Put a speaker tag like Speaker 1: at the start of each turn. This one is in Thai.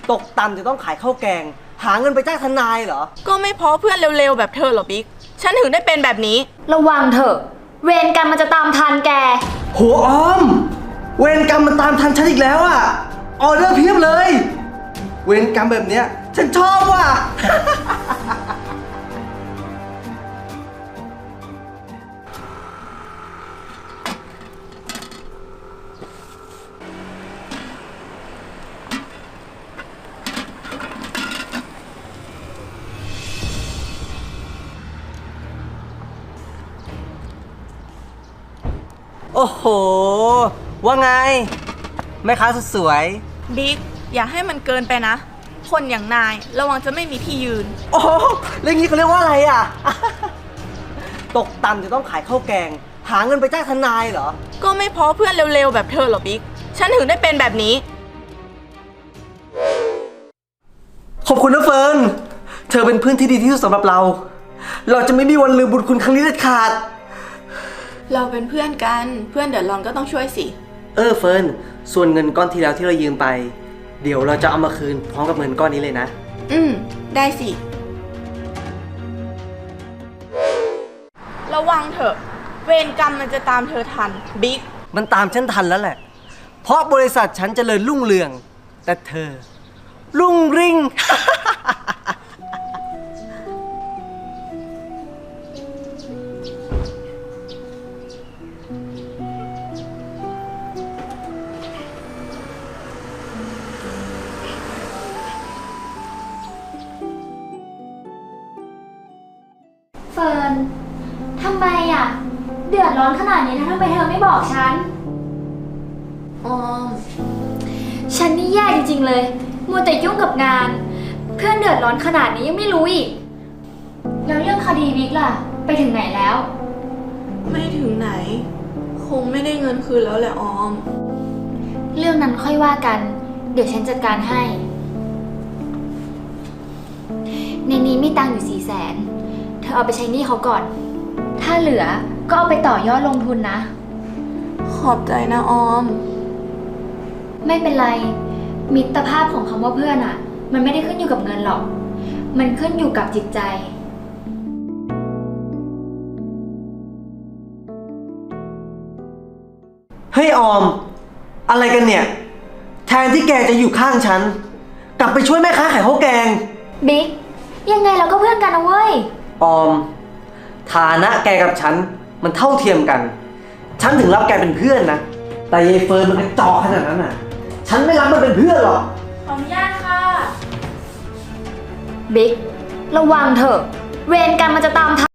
Speaker 1: ตกต่ำจะต้องขายข้าวแกงหาเงินไปจ้างทนายเหรอ
Speaker 2: ก็ไม่เพราะเพื่อนเร็วๆแบบเธอหรอบิ๊กฉันถึงได้เป็นแบบนี้
Speaker 3: ระวังเถอะเวรกรรมมันจะตามทันแก
Speaker 1: โหออมเวรกรรมมันตามทันฉันอีกแล้วอะออเดอร์เพียบเลยเวรกรรมแบบเนี้ยฉันชอบว่ะ โอ้โหว่าไงแม่ค้าสุดสวย
Speaker 2: บิ๊กอย่าให้มันเกินไปนะคนอย่างนายระวังจะไม่มีที่ยืน
Speaker 1: โอ้แล้วงี้เขาเรียกว่าอะไรอ่ะ ตกต่ำจะต้องขายข้าวแกงหาเงินไปจ้างทนายเหรอ
Speaker 2: ก็ไม่เพราะเพื่อนเร็วๆแบบเธอหรอบิ๊กฉันถึงได้เป็นแบบนี้
Speaker 1: ขอบคุณนะเฟิร์นเธอเป็นเพื่อนที่ดีที่สุดสำหรับเราเราจะไม่มีวันลืมบุญคุณครั้งนี้เด็ดขาด
Speaker 2: เราเป็นเพื่อนกันเพื่อนเดือดร้อนก็ต้องช่วยสิ
Speaker 1: เฟิร์นส่วนเงินก้อนที่แล้วที่เรายืมไปเดี๋ยวเราจะเอามาคืนพร้อมกับเงินก้อนนี้เลยนะ
Speaker 2: ได้สิระวังเถอะเวรกรรมมันจะตามเธอทันบิ๊ก
Speaker 1: มันตามฉันทันแล้วแหละเพราะบริษัทฉันเจริญรุ่งเรืองแต่เธอรุ่งริ่ง
Speaker 3: เฟิร์นทำไมอ่ะเดือดร้อนขนาดนี้ทำไมเธอไม่บอกฉัน
Speaker 2: อ๋อ
Speaker 3: ฉันนี่แย่จริงๆเลยมัวแต่ยุ่งกับงานเพื่อนเดือดร้อนขนาดนี้ยังไม่รู้อีกแล้วเรื่องคดีบิ๊กล่ะไปถึงไหนแล้ว
Speaker 2: ไม่ถึงไหนคงไม่ได้เงินคืนแล้วแหละออม
Speaker 3: เรื่องนั้นค่อยว่ากันเดี๋ยวฉันจัดการให้ในนี้มีตังค์อยู่400,000เธอเอาไปใช้หนี้เขาก่อนถ้าเหลือก็เอาไปต่อยอดลงทุนนะ
Speaker 2: ขอบใจนะออม
Speaker 3: ไม่เป็นไรมิตรภาพของคำว่าเพื่อนอะมันไม่ได้ขึ้นอยู่กับเงินหรอกมันขึ้นอยู่กับจิตใจ
Speaker 1: เฮ้ยออมอะไรกันเนี่ยแทนที่แกจะอยู่ข้างฉันกลับไปช่วยแม่ค้าขายข้าวแกง
Speaker 3: บิ๊กยังไงเราก็เพื่อนกันนะเว้ย
Speaker 1: ออมฐานะแกกับฉันมันเท่าเทียมกันฉันถึงรับแกเป็นเพื่อนนะแต่ยายเฟิร์นมันกระจอกขนาดนั้นน่ะฉันไม่รับมันเป็นเพื่อนหรอก
Speaker 2: ขออนุญาตค่ะ
Speaker 3: บิ๊กระวังเถอะเวรกรรมมันจะตามทัน